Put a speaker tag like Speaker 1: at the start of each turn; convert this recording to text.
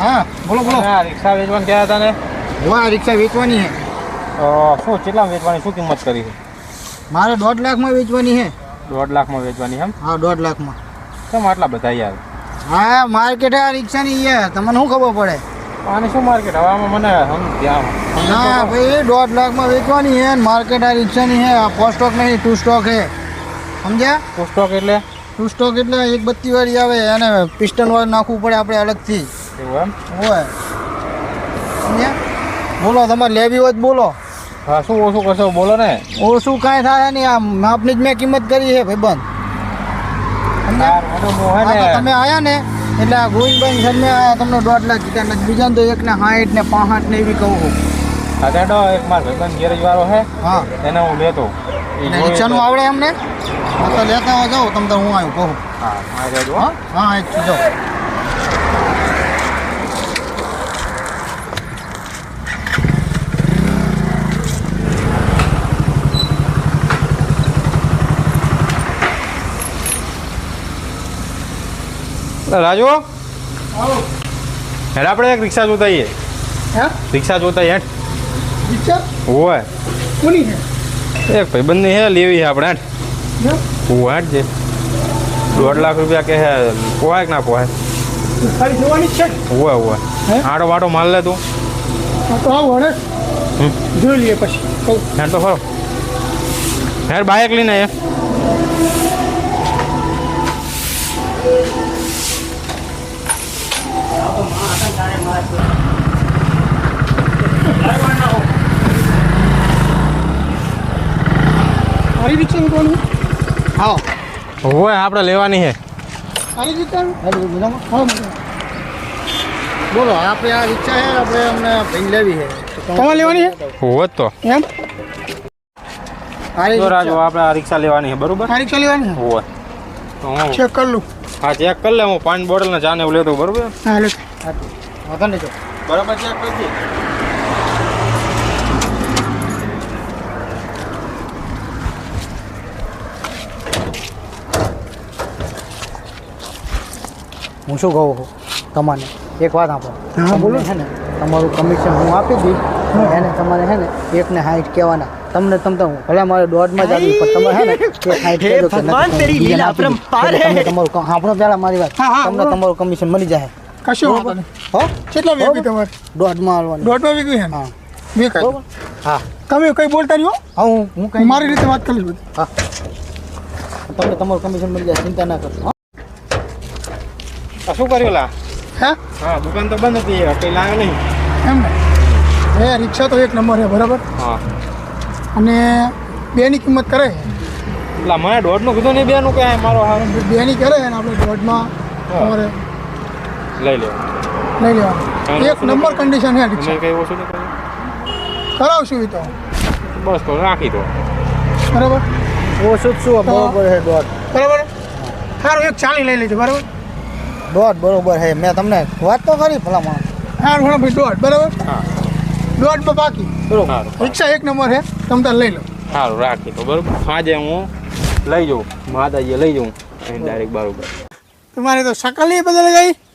Speaker 1: હા બોલો બોલો.
Speaker 2: આ રિક્ષા વેચવાનું કહેતા હતા ને?
Speaker 1: વાહ રિક્ષા વેચવાની છે.
Speaker 2: શું કેટલા વેચવાની, શું કિંમત કરી છે?
Speaker 1: મારે 1.5 લાખમાં વેચવાની છે.
Speaker 2: 1.5 લાખમાં વેચવાની એમ?
Speaker 1: હા 1.5 લાખમાં.
Speaker 2: કેમ આટલા બધા યાર?
Speaker 1: હા માર્કેટ આ રિક્ષાની છે, તમને શું ખબર પડે?
Speaker 2: આની શું માર્કેટ હવે આમાં મને
Speaker 1: ના ભાઈ 1.5 લાખમાં વેચવાની છે. માર્કેટ આ રિક્ષાની છે. આ ફર્સ્ટ સ્ટોક નહીં, 2 સ્ટોક છે. સમજ્યા?
Speaker 2: 2 સ્ટોક એટલે?
Speaker 1: 2 સ્ટોક એટલે એક બત્તી વાળી આવે અને પિસ્ટન વાળું નાખવું પડે આપણે અલગથી.
Speaker 2: એવું એમ?
Speaker 1: હોય સમજ્યા? બોલો તમારે લેવી હોય તો બોલો.
Speaker 2: હા શું ઓછું કરશો બોલો ને.
Speaker 1: ઓછું કાંઈ થાય નહીં, આ માપની જ મેં કિંમત કરી છે ભાઈબંધ. તમે આયા ને એટલે આ ગોવિંદભાઈ સર મેં આયા તમને 1.5 લાખ કીધા ને બીજા તો 1 ને 60 ને 65 ને એવી કહું છું.
Speaker 2: દાદા એક મારો ભાઈબંધ ગેરેજ વાળો છે,
Speaker 1: હા
Speaker 2: એને હું લેતો.
Speaker 1: રિક્ષાનું આવડે એમને? હા તો લેતા જાઓ તમે તો હું આવ્યું કહું.
Speaker 2: હા હા રહેજો.
Speaker 1: હા હા એક જાઓ.
Speaker 2: રાજુ હેડ આપણે એક રિક્ષા જોતા આવીએ.
Speaker 1: હા
Speaker 2: રિક્ષા જોતા હેડ.
Speaker 1: રિક્ષા
Speaker 2: હોય
Speaker 1: કોની છે?
Speaker 2: એક ભાઈબંધની હે લેવી છે આપણે હેડ. હું હેડ છે 1.5 લાખ રૂપિયા કે હે, પોહાય કે ના પોહાય?
Speaker 1: ખાલી જોવાની જ છે.
Speaker 2: હોય હોય આડો વાટો માલ લે તું.
Speaker 1: તો આવું હડે જોઈ લઈએ પછી કહું.
Speaker 2: હેડ તો ખરો હેડ બાઇક લઈને એ.
Speaker 1: મારી રિક્ષા મૂકવાની? હા
Speaker 2: હોય આપણે લેવાની છે.
Speaker 1: મારી રિક્ષા બોલો. આપણે આ રિક્ષા છે, આપણે અમને ભાઈ લેવી છે. તમારે લેવાની છે?
Speaker 2: હોય તો
Speaker 1: એમ
Speaker 2: જો રાજુ આપણે આ રિક્ષા લેવાની છે બરોબર?
Speaker 1: આ રિક્ષા લેવાની છે?
Speaker 2: હોય તો હું
Speaker 1: ચેક કરી લઉં.
Speaker 2: હા ચેક કરી લે. હું 5 બોટલ ને ચા ને એવું લેતો બરોબર?
Speaker 1: હા લે વાંધો નહીં.
Speaker 2: બરાબર ચેક કરજે.
Speaker 1: હું શું કહું છું તમને એક વાત આપો. હા બોલો. છે ને તમારું કમિશન હું આપી દઈશ એને. તમારે છે ને 1 ને 60 કહેવાના. તમને ભલે મારે 1.5 જ આવી પણ તમે છે ને 60 કહેજો કે ભગવાન તેરી લીલા અપરંપાર હે. તમે તમારું સાંભળો પહેલા મારી વાત. તમને તમારું કમિશન મળી જાય. કશું વાંધો નહીં. હો કેટલા વેગી તમારે? 1.5 માં આલવાની. 1.5 વેગી છે? હા વેગી. હા તમે કઈ બોલતા નહીં હો. હા હું કઈ મારી રીતે વાત કરીશ બધી. હા તમને તમારું કમિશન મળી જાય, ચિંતા ના કરો.
Speaker 2: શું કર્યું લા?
Speaker 1: હે
Speaker 2: હા દુકાન તો બંધ હતી, કઈ લાગે નહીં
Speaker 1: એમ ને? એ રિક્ષા તો 1 નંબર છે બરાબર.
Speaker 2: હા
Speaker 1: અને 2 ની કિંમત કરે.
Speaker 2: એટલે મને 1.5 નું કીધું નહીં, 2 નું કે મારો હાર
Speaker 1: 2 ની કરે ને આપણે 1.5 માં તમારે
Speaker 2: લઈ લે.
Speaker 1: લઈ લેવાનું. 1 નંબર કન્ડિશન છે રિક્ષા.
Speaker 2: તમે કઈ ઓછું નહીં કર્યું?
Speaker 1: કરાવશું એ તો
Speaker 2: બસ તો રાખી દો
Speaker 1: બરાબર.
Speaker 3: ઓછું જ શું બરોબર છે 1.5.
Speaker 1: બરાબર સારું 1.40 લઈ લેજો બરાબર.
Speaker 3: 1.5 બરોબર છે. મેં તમને વાત તો કરી ભલામણ.
Speaker 1: સારું ઘણો ભાઈ 1.5 બરાબર.
Speaker 2: હા
Speaker 1: 1.5 માં બાકી
Speaker 2: સારું
Speaker 1: રિક્ષા 1 નંબર છે, તમે તાર લઈ લો.
Speaker 2: સારું રાખી દો બરોબર. આજે હું લઈ જાઉં, માતાજી લઈ જાઉં ડાયરેક્ટ બરોબર.
Speaker 1: તમારે તો શકલ નહીં બદલ ગઈ.